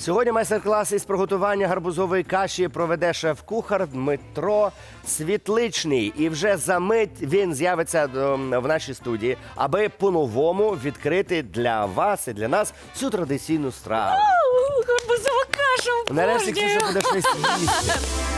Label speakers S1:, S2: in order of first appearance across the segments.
S1: Сьогодні майстер-клас із приготування гарбузової каші проведе шеф-кухар Дмитро Світличний. І вже за мить він з'явиться в нашій студії, аби по-новому відкрити для вас і для нас цю традиційну страву.
S2: Гарбузова каша!
S1: Нарешті Ксюша буде щось їсти.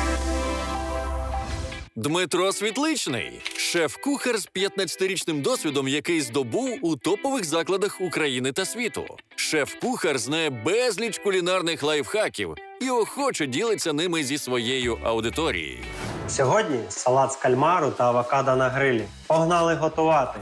S3: Дмитро Світличний – шеф-кухар з 15-річним досвідом, який здобув у топових закладах України та світу. Шеф-кухар знає безліч кулінарних лайфхаків і охоче ділиться ними зі своєю аудиторією.
S4: Сьогодні салат з кальмару та авокадо на грилі. Погнали готувати!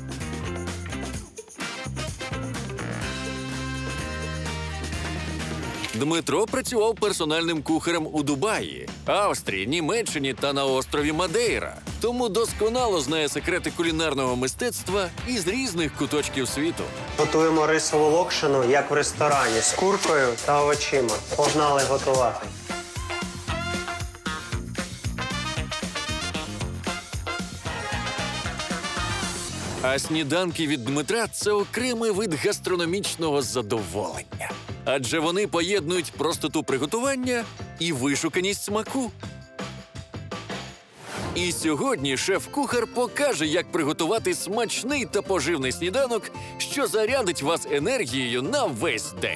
S3: Дмитро працював персональним кухарем у Дубаї, Австрії, Німеччині та на острові Мадейра. Тому досконало знає секрети кулінарного мистецтва із різних куточків світу.
S4: Готуємо рисову локшину, як в ресторані, з куркою та овочима. Погнали готувати!
S3: А сніданки від Дмитра – це окремий вид гастрономічного задоволення. Адже вони поєднують простоту приготування і вишуканість смаку. І сьогодні шеф-кухар покаже, як приготувати смачний та поживний сніданок, що зарядить вас енергією на весь день.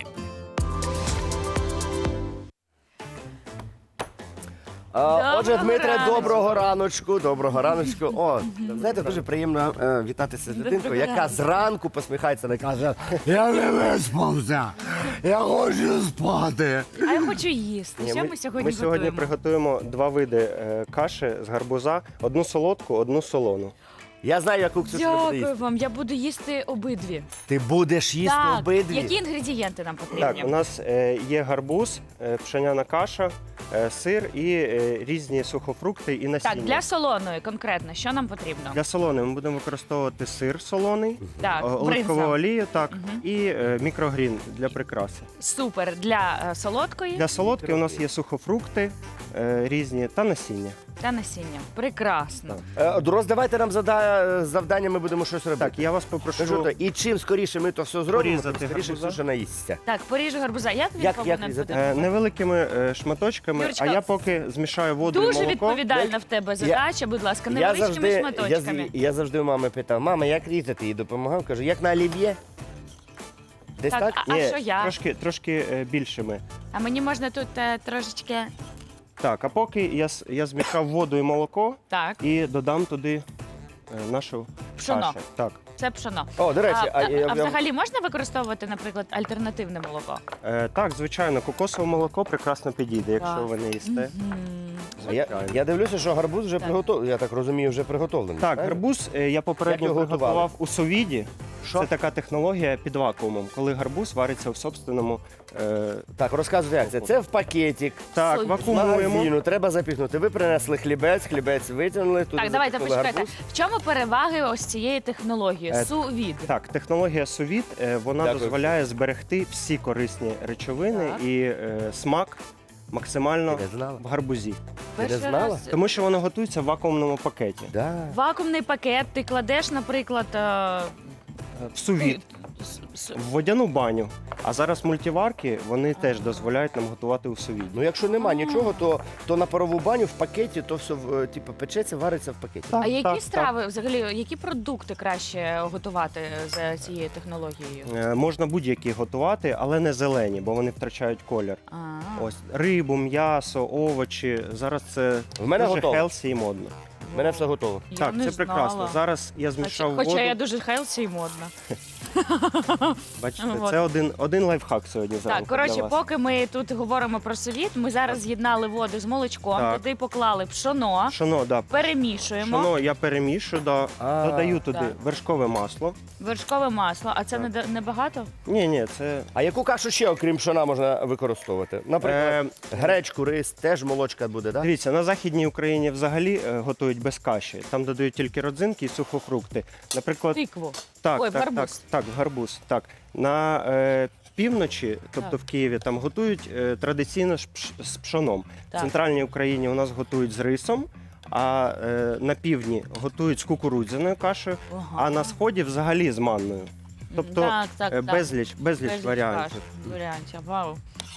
S1: Отже, Дмитре, доброго раночку, доброго раночку. О, знаєте, дуже приємно вітатися з дитинкою, яка зранку посміхається і каже:
S5: Я не виспався, я хочу спати.
S2: А я хочу їсти. Що ми сьогодні
S4: Ми сьогодні
S2: готуємо?
S4: приготуємо два види каші з гарбуза. Одну солодку, одну солону.
S1: Я знаю, яку Ксюша буде
S2: Дякую
S1: їсти.
S2: вам, я буду їсти обидві.
S1: Ти будеш їсти
S2: Так,
S1: обидві?
S2: які інгредієнти нам потрібні?
S4: Так, у нас є гарбуз, пшеняна каша, сир і різні сухофрукти і насіння.
S2: Так, для солоної конкретно, що нам потрібно?
S4: Для солоної ми будемо використовувати сир солоний,
S2: Так,
S4: оливкову
S2: бринза.
S4: олію, так, і мікрогрін для прикраси.
S2: Супер. Для солодкої
S4: Для солодки у нас є сухофрукти різні та насіння.
S2: та насіння. Прекрасно.
S1: Роздавайте нам завдання, ми будемо щось робити.
S4: Так, я вас
S1: Кажу,
S4: попрошу
S1: то, і чим скоріше ми то все зробимо, тим
S4: порізати
S1: скоріше
S4: гарбуза.
S1: Ксюша наїсться.
S2: Так, поріжу гарбуза. Як він
S1: Як
S2: повинен
S1: різати?
S2: бути?
S4: невеликими шматочками,
S2: Юрочка,
S4: а я поки змішаю воду і
S2: Дуже
S4: молоко.
S2: відповідальна в тебе задача, будь ласка,
S1: Я
S2: невеличкими
S1: завжди,
S2: шматочками.
S1: я завжди у мами питав: мама, як різати? І допомагав, кажу, як на олів'є? Десь
S2: Так,
S1: так?
S2: а
S4: Ні,
S2: що я?
S4: трошки більшими.
S2: А мені можна тут трошечки.
S4: Так, а поки я змішав воду і молоко
S2: Так,
S4: і додам туди нашу
S2: Пшоно.
S4: кашу. Так.
S2: це пшоно.
S1: О, до речі,
S2: А взагалі можна використовувати, наприклад, альтернативне молоко?
S4: Так, звичайно, кокосове молоко прекрасно підійде, якщо
S2: Так.
S4: ви не їсте.
S1: я дивлюся, що гарбуз вже приготовлений. Я так розумію, вже приготовлений.
S4: Так,
S1: правильно?
S4: гарбуз я
S1: Як
S4: попередньо
S1: його готували?
S4: приготував у совіді.
S1: Що?
S4: Це така технологія під вакуумом, коли гарбуз вариться в собственному.
S1: Так, розказуйте, як це. Це в пакетик.
S4: Так,
S2: Совіт.
S1: З
S4: вакуумуємо.
S1: магазину треба запіхнути. Ви принесли хлібець витягнули. Туди
S2: Так, давайте
S1: запихнули
S2: почекайте.
S1: гарбуз.
S2: В чому переваги ось цієї технології? Су-від.
S4: Так, технологія совіт, вона
S1: Дякую.
S4: дозволяє зберегти всі корисні речовини
S2: Так.
S4: і смак максимально
S1: Ти не знала?
S4: в гарбузі.
S1: Ти не
S2: Перший
S1: знала?
S2: раз.
S4: Тому що воно готується в вакуумному пакеті.
S1: Да.
S2: Вакуумний пакет ти кладеш, наприклад,
S4: В сувіт, в водяну баню. А зараз мультиварки, вони теж дозволяють нам готувати у совіді.
S1: Ну, якщо нема нічого, то на парову баню в пакеті, то все типу, печеться, вариться в пакеті.
S2: а які страви, взагалі, які продукти краще готувати за цією технологією?
S4: Можна будь-які готувати, але не зелені, бо вони втрачають колір. Ось рибу, м'ясо, овочі. Зараз це
S1: В мене
S4: дуже
S1: готово.
S4: хелсі і модно.
S1: У мене все готово.
S2: Я
S4: Так,
S2: не
S4: це прекрасно.
S2: знала.
S4: Зараз я змішав
S2: Хоча
S4: воду.
S2: я дуже хелсі і модна.
S4: Бачите,
S2: Вот.
S4: це один лайфхак сьогодні зранку
S2: Так, коротше,
S4: для вас.
S2: поки ми тут говоримо про совіт, ми зараз з'єднали воду з молочком,
S4: Так.
S2: туди поклали пшоно,
S4: Пшоно, да.
S2: перемішуємо,
S4: Пшоно я перемішую, додаю туди
S2: так.
S4: вершкове масло.
S2: вершкове масло. А це не багато?
S4: Ні, це
S1: А яку кашу ще, окрім пшона, можна використовувати? Наприклад, гречку, рис, теж молочка буде, так?
S4: дивіться, на Західній Україні взагалі готують без каші. Там додають тільки родзинки і сухофрукти. Наприклад,
S2: Тикву.
S4: так,
S2: Ой, в
S4: так,
S2: гарбуз.
S4: так, в гарбуз. Так. На півночі, тобто
S2: Так.
S4: в Києві, там готують традиційно з пшоном.
S2: Так.
S4: В центральній Україні у нас готують з рисом, а на півдні готують з кукурудзяною кашею,
S2: Ага.
S4: а на сході взагалі з манною. Тобто
S2: Так.
S4: безліч варіантів.
S2: Варіантів. Вау.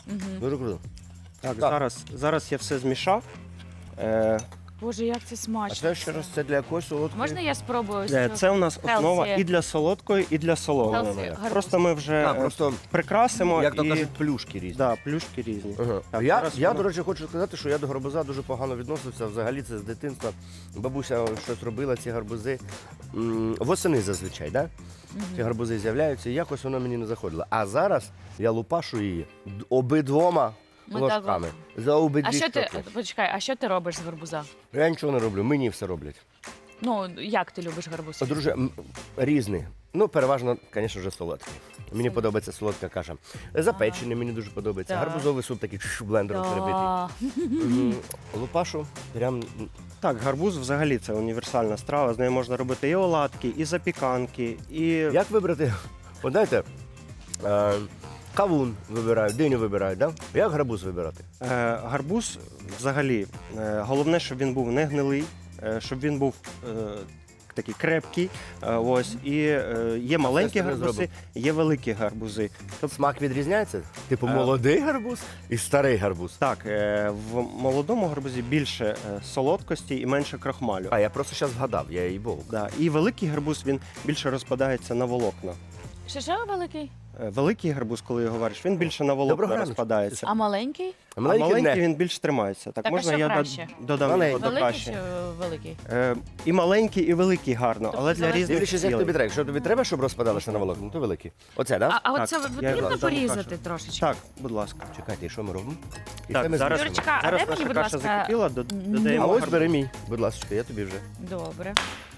S1: Дуже круто.
S4: Так,
S1: Так.
S4: зараз я все змішав.
S2: Боже, як це
S1: А
S2: смачно.
S1: це ще раз, це для якоїсь солодкої?
S2: Можна я спробую? ось цю
S4: Це у нас основа
S2: healthy-
S4: і для солодкої, і для солоної.
S2: healthy гарбуз?
S4: Просто ми вже
S1: Просто,
S4: прикрасимо
S1: як то
S4: і
S1: кажуть, плюшки різні.
S4: да, плюшки різні.
S1: Ага.
S4: Так,
S1: Я,
S4: зараз
S1: я
S4: воно-
S1: до речі, хочу сказати, що я до гарбуза дуже погано відносився. Взагалі це з дитинства. Бабуся щось робила, ці гарбузи. Восени зазвичай, да? Ці гарбузи з'являються, і якось воно мені не заходило. А зараз я лупашу її обидвома
S2: Ми
S1: ложками. За обидві
S2: А що ти,
S1: щоки.
S2: почекай, а що ти робиш з гарбуза?
S1: Я нічого не роблю, мені все роблять.
S2: Ну, як ти любиш гарбуз?
S1: Друже, різний. Ну, переважно, звісно, вже солодкий. Мені подобається солодка каша. Запечений мені дуже подобається.
S2: Так.
S1: Гарбузовий суп такий блендером перебитий.
S2: Да.
S1: Лупашу прям
S4: Так, гарбуз взагалі це універсальна страва. З нею можна робити і оладки, і запіканки, і
S1: як вибрати? От знаєте, кавун вибирають, диню вибирають, да? Як гарбуз вибирати?
S4: гарбуз взагалі. Головне, щоб він був не гнилий, щоб він був такий крепкий. Ось і є маленькі
S1: собі
S4: гарбузи,
S1: зробив.
S4: є великі гарбузи.
S1: Смак відрізняється? Типу молодий гарбуз і старий гарбуз.
S4: Так, в молодому гарбузі більше солодкості і менше крахмалю.
S1: А я просто зараз згадав, я їй був.
S4: Да. І великий гарбуз він більше розпадається на волокна.
S2: Що великий?
S4: Великий гарбуз, коли його вариш, він більше на волокна
S1: Доброго ранку.
S4: розпадається.
S2: А маленький?
S1: А
S4: А
S1: маленький
S4: маленький
S1: не.
S4: він більш тримається. Так,
S2: Так, а
S4: можна
S2: що
S4: я
S2: краще?
S4: додам
S1: Маленький.
S4: його до
S2: Великий
S4: каші.
S2: чи великий?
S4: І маленький, і великий гарно,
S2: Тобто
S4: але для
S2: залежить-
S4: різних
S1: Дивлячись, як тобі
S4: цілей.
S1: треба. Якщо тобі треба, щоб розпадалося на волокна, то великий. Оце, так? Да?
S2: А
S4: Так,
S2: оце
S4: я
S2: потрібно
S4: дам
S2: порізати
S4: кашу.
S2: трошечки?
S4: Так, будь ласка.
S1: Чекайте, і що ми робимо? І
S4: Так,
S1: це ми
S4: зараз,
S1: змішуємо.
S2: Юрочка, а
S4: зараз
S2: дай мені,
S4: наша
S2: будь
S4: каша
S2: ласка,
S4: закипіла,
S1: А
S4: додаємо
S1: ось
S4: гарбуз.
S1: бери мій, будь ласка, я тобі вже.
S2: Добре.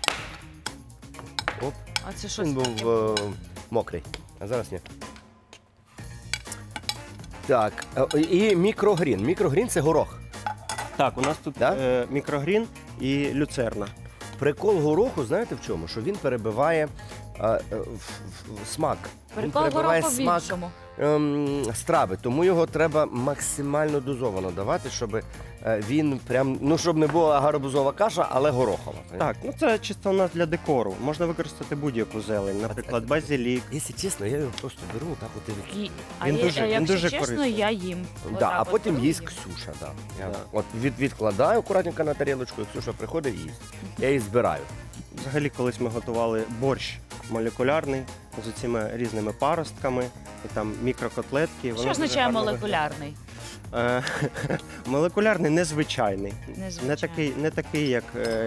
S1: Оп.
S2: А це що?
S1: Він був мокрий, а зараз ні. Так, і мікрогрін. Мікрогрін це горох.
S4: Так, у нас тут
S1: Да?
S4: мікрогрін і люцерна.
S1: Прикол гороху, знаєте в чому? Що він перебиває смак. Він
S2: Прикол
S1: перебиває
S2: гороху в
S1: смак
S2: іншому.
S1: страви, тому його треба максимально дозовано давати, щоб він прям, ну щоб не була гарбузова каша, але горохова.
S4: Так, ну це чисто у нас для декору. Можна використати будь-яку зелень, наприклад, базилік.
S1: Якщо чесно, я його просто беру так от і
S2: А
S4: Він
S2: я-
S4: дуже- він
S2: якщо
S4: дуже
S2: чесно,
S4: корисний.
S2: я їм.
S1: Да,
S2: Отак
S1: а
S2: от
S1: потім
S2: беру
S1: їсть
S2: їм.
S1: Ксюша. Да. Я
S4: Да.
S1: от відкладаю акуратненько на тарілочку, і Ксюша приходить і їсть. Я її збираю.
S4: Взагалі, колись ми готували борщ молекулярний з цими різними паростками, і там мікрокотлетки. Воно
S2: Що
S4: дуже
S2: означає
S4: гарно
S2: молекулярний?
S4: виглядає. Молекулярний незвичайний.
S2: Незвичайний.
S4: Не такий, як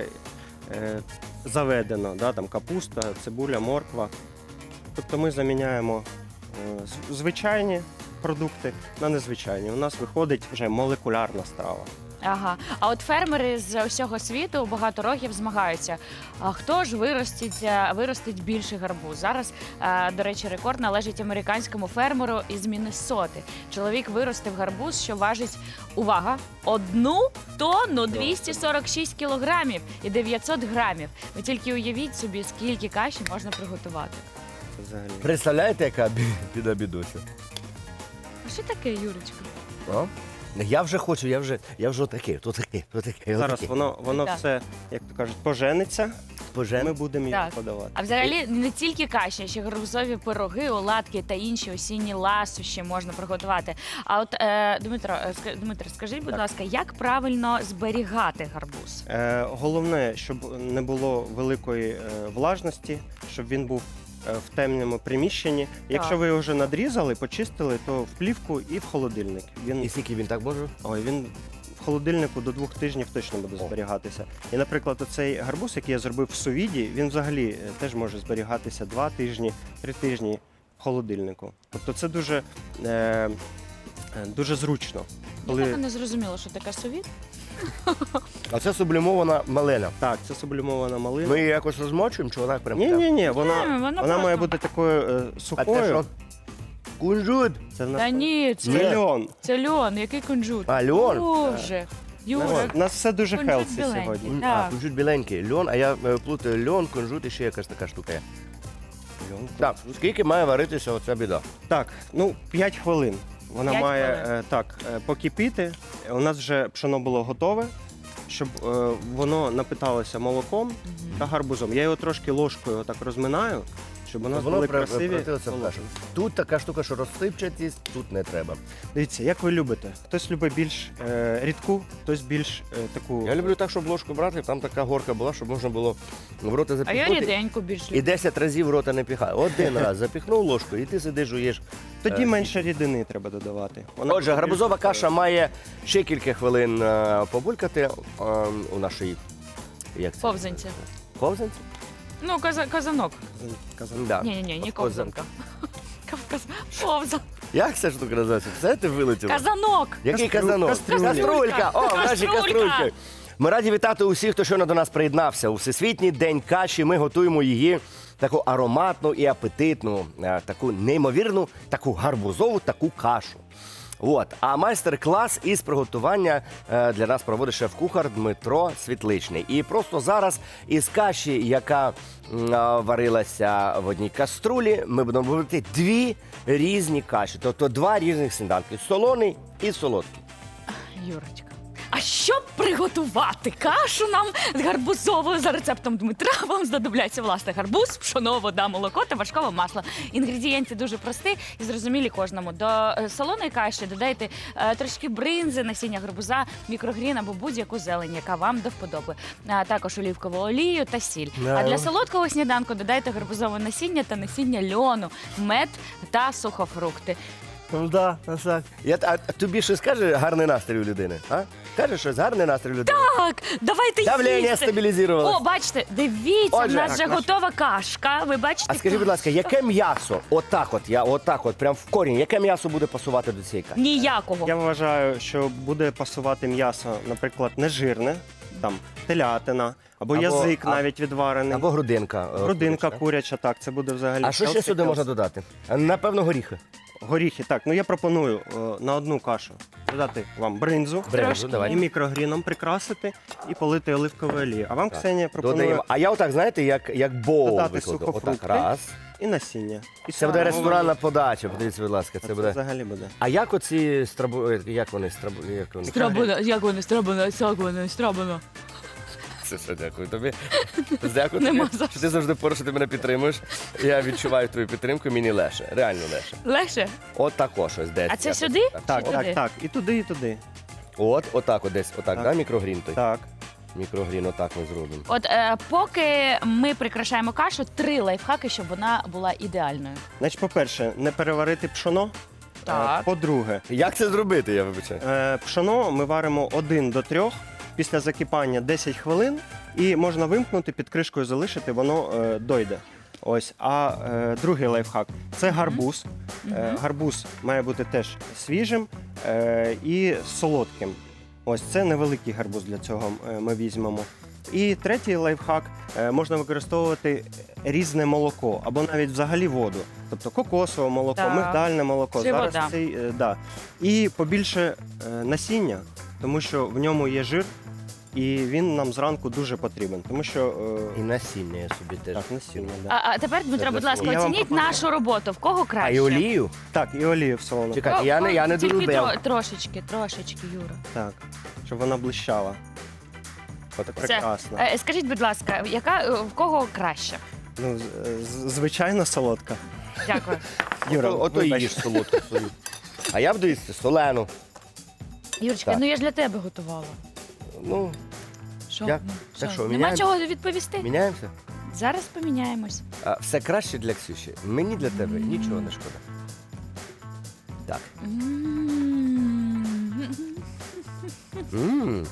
S4: заведено, да, там капуста, цибуля, морква. Тобто ми заміняємо звичайні продукти на незвичайні. У нас виходить вже молекулярна страва.
S2: Ага. А от фермери з усього світу багато років змагаються. А хто ж виростить більший гарбуз? Зараз, до речі, рекорд належить американському фермеру із Міннесоти. Чоловік виростив гарбуз, що важить, увага, 1 тонну 246 кілограмів і 900 грамів. Ви тільки уявіть собі, скільки каші можна приготувати.
S4: Це взагалі.
S1: Представляєте, яка біда бідуся?
S2: А що таке, Юрочка?
S1: О? Я вже хочу, я вже отакий, то таке.
S4: Зараз воно
S2: Так.
S4: все, як то кажуть, пожениться,
S1: Пожен.
S4: ми будемо його
S2: Так.
S4: подавати.
S2: А взагалі не тільки каші, а ще гарбузові пироги, оладки та інші осінні ласощі можна приготувати. А от Дмитро, скажіть, будь ласка, як правильно зберігати гарбуз?
S4: Головне, щоб не було великої влажності, щоб він був в темному приміщенні. Якщо ви його вже надрізали, почистили, то в плівку і в холодильник.
S1: І скільки він так може?
S4: Він в холодильнику до 2 тижнів точно буде
S1: О.
S4: зберігатися. І, наприклад, оцей гарбуз, який я зробив в сувіді, він взагалі теж може зберігатися 2 тижні, 3 тижні в холодильнику. Тобто це дуже зручно.
S2: Я так і не зрозуміла, що таке совіт.
S1: А це сублімована малина.
S4: Так, це сублімована малина.
S1: Ми її якось розмочуємо, чи вона прям?
S4: Ні, вона
S2: вона
S4: має
S2: просто-
S4: бути такою
S1: А це
S4: сухою.
S1: що? Кунжут.
S4: Це в нас
S2: Та ні,
S1: Ні.
S2: це
S4: льон.
S2: льон, який кунжут.
S1: А, льон?
S2: Боже, Юра,
S4: У нас все дуже
S2: Кунжут
S4: хелсі
S2: біленький.
S4: сьогодні.
S2: Так.
S1: Кунжут біленький. Льон, а я плутаю льон, кунжут і ще якась така штука є.
S4: Льон.
S1: Так, скільки має варитися оця біда?
S4: Так, 5 хвилин. Вона
S2: 5
S4: має
S2: хвилин.
S4: покипіти. У нас вже пшено було готове, щоб воно напиталося молоком та гарбузом. Я його трошки ложкою так розминаю, щоб у нас
S1: Воно
S4: були красиві
S1: превратилося в
S4: солодкі.
S1: кашу. Тут така штука, що розсипчатість, тут не треба.
S4: Дивіться, як ви любите. Хтось любить більш рідку, хтось більш таку.
S1: Я люблю так, щоб ложку брати, там така горка була, щоб можна було в рота
S2: А я
S1: запіхнути.
S2: ріденьку більш
S1: І
S2: люблю.
S1: 10 разів в рота не піхаю. Один раз запіхнув ложку, і ти сидиш, жуєш.
S4: Тоді менше рідини треба додавати. Вона
S1: Отже,
S4: буде
S1: гарбузова
S4: більш-
S1: каша має ще кілька хвилин побулькати у нашій як це?
S2: Повзанці.
S1: Повзанці?
S2: Ну, казанок.
S4: Казан-
S1: Да.
S2: Ні, не
S1: Повзанка.
S2: ковзанка. Повзан.
S1: Як ця штука називається? Це ти вилетіло?
S2: Казанок.
S1: Який
S4: Кастрюлька.
S1: казанок?
S4: Кастрюлька.
S1: О, в нашій
S2: Кастрюлька.
S1: каструльці. Ми раді вітати усіх, хто щойно до нас приєднався. У Всесвітній день каші ми готуємо її таку ароматну і апетитну, таку неймовірну, таку гарбузову, таку кашу. От. А майстер-клас із приготування для нас проводить шеф-кухар Дмитро Світличний. І просто зараз із каші, яка варилася в одній каструлі, ми будемо робити дві різні каші. Тобто два різних сніданки – солоний і солодкий.
S2: Юрочка. А щоб приготувати кашу нам з гарбузовою за рецептом Дмитра, вам знадобляться власне гарбуз, пшоно, вода, молоко та вершкове масло. Інгредієнти дуже прості і зрозумілі кожному. До солоної каші додайте трошки бринзи, насіння гарбуза, мікрогрін або будь-яку зелень, яка вам до вподоби. А також олівкову олію та сіль. А для солодкого сніданку додайте гарбузове насіння та насіння льону, мед та сухофрукти.
S1: Ну да, так. А тобі щось каже гарний настрій у людини? А? Каже щось гарний настрій у людини?
S2: Так, давайте
S1: Давлення
S2: їсти.
S1: стабілізувалося.
S2: О, бачите, дивіться,
S1: Отже,
S2: в нас вже
S4: так,
S2: готова кашка. Ви бачите?
S1: А скажи, будь ласка, яке м'ясо, отак от, прям в корінь, яке м'ясо буде пасувати до цієї каші?
S2: Ніякого.
S4: Я вважаю, що буде пасувати м'ясо, наприклад, нежирне, там телятина, або язик навіть відварений,
S1: Або грудинка.
S4: грудинка
S1: куряча.
S4: куряча, так, це буде взагалі.
S1: А що ще
S4: healthy,
S1: сюди
S4: healthy.
S1: можна додати? Напевно, горіхи.
S4: Горіхи, так. Ну я пропоную на одну кашу додати вам бринзу
S1: Бринзу,
S4: і
S1: давай.
S4: мікрогріном прикрасити і полити оливковою олією. А вам, Ксенія, пропоную
S1: Додаємо. А я отак, знаєте, як боул
S4: Додати
S1: викладу. Отак,
S4: сухофрукти.
S1: раз.
S4: і насіння. І
S1: Це буде
S4: саме
S1: ресторанна подача, подивіться, будь ласка, це
S4: Це
S1: буде.
S4: взагалі буде.
S1: А як оці як вони?
S2: Страбана, як вони, страбана.
S1: Це все, дякую тобі. Дякую
S2: Нема
S1: тобі,
S2: за
S1: що ти завжди поруч, що ти мене підтримуєш. Я відчуваю твою підтримку, мені легше, реально легше.
S2: Легше?
S1: От тако щось десь.
S2: А це
S1: якось
S2: сюди?
S4: Так,
S2: Чи
S4: так,
S2: туди?
S4: так. І туди, і туди.
S1: От, отак от десь, отак,
S4: Так.
S1: да, мікрогрін той?
S4: Так.
S1: Мікрогрін, отак ми зробимо.
S2: От поки ми прикрашаємо кашу, 3 лайфхаки, щоб вона була ідеальною.
S4: Значить, по-перше, не переварити пшоно.
S2: Так.
S4: По-друге,
S1: Як це зробити, я вибачаю?
S4: пшоно ми варимо 1 до 3, після закипання 10 хвилин, і можна вимкнути, під кришкою залишити, воно дойде. Ось. А другий лайфхак це гарбуз. Гарбуз має бути теж свіжим і солодким. Ось це невеликий гарбуз для цього ми візьмемо. І третій лайфхак можна використовувати різне молоко або навіть взагалі воду. Тобто кокосове молоко,
S2: Так.
S4: мигдальне молоко.
S2: Чи
S4: Зараз
S2: вода.
S4: цей, да. І побільше насіння, тому що в ньому є жир, і він нам зранку дуже потрібен. Тому що
S1: І насіння я собі теж.
S4: так, насіння, да.
S2: А тепер, Дмитро,
S1: для
S2: будь ласка,
S4: Я вам
S2: оцініть
S4: пропоную.
S2: нашу роботу. В кого краще?
S1: А і олію?
S4: Так, і олію в солону.
S1: Чекайте, я не
S2: Тільки
S1: долюбив.
S2: трошечки, Юра.
S4: Так, щоб вона блищала. От прекрасно.
S2: Скажіть, будь ласка, в кого краще?
S4: Ну, звичайно, солодка.
S2: Дякую.
S4: Юра,
S1: Ото
S4: вибач.
S1: їж солодку свою. А я буду їсти солену.
S2: Юрочка,
S1: Так.
S2: ну я ж для тебе готувала.
S1: Ну,
S2: Що?
S1: Як?
S2: Ну,
S1: Так що,
S2: Нема
S1: міняємо?
S2: чого відповісти?
S1: міняємося?
S2: Зараз поміняємось.
S1: А, все краще для Ксюші. Мені для тебе нічого не шкода. Так. Мм.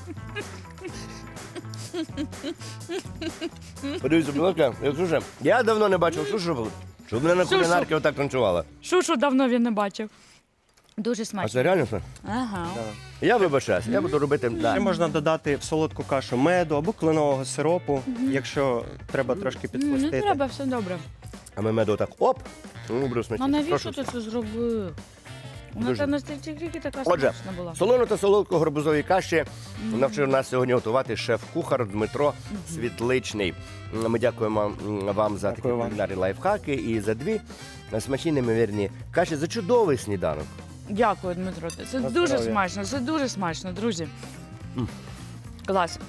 S1: Подивіться, будь ласка, Ксюша, я давно не бачив Ксюшу, щоб мене на
S2: Ксюшу.
S1: кулінарки отак танцювала.
S2: Шушу давно він не бачив. Дуже
S1: А
S2: смачно.
S1: це реально все?
S2: Ага.
S1: Я вибачаюсь, я буду робити.
S4: Ще
S1: Да.
S4: можна додати в солодку кашу меду або кленового сиропу, якщо треба трошки
S2: Не
S4: підсластити.
S2: треба, все добре.
S1: А ми меду так оп. Ну,
S2: А
S1: бруснички.
S2: навіщо ти це зробив? Вона
S1: Дуже.
S2: та настільки така
S1: Отже,
S2: смачна була.
S1: солону та солодку гарбузові каші навчив нас сьогодні готувати шеф-кухар Дмитро Світличний. Ми дякуємо вам за такі
S4: Дякую вам.
S1: кулінарні лайфхаки і за дві смачні неймовірні каші, за чудовий сніданок.
S2: Дякую, Дмитро. Це
S4: На
S2: дуже
S4: здоров'я.
S2: смачно, це дуже смачно, друзі. Клас.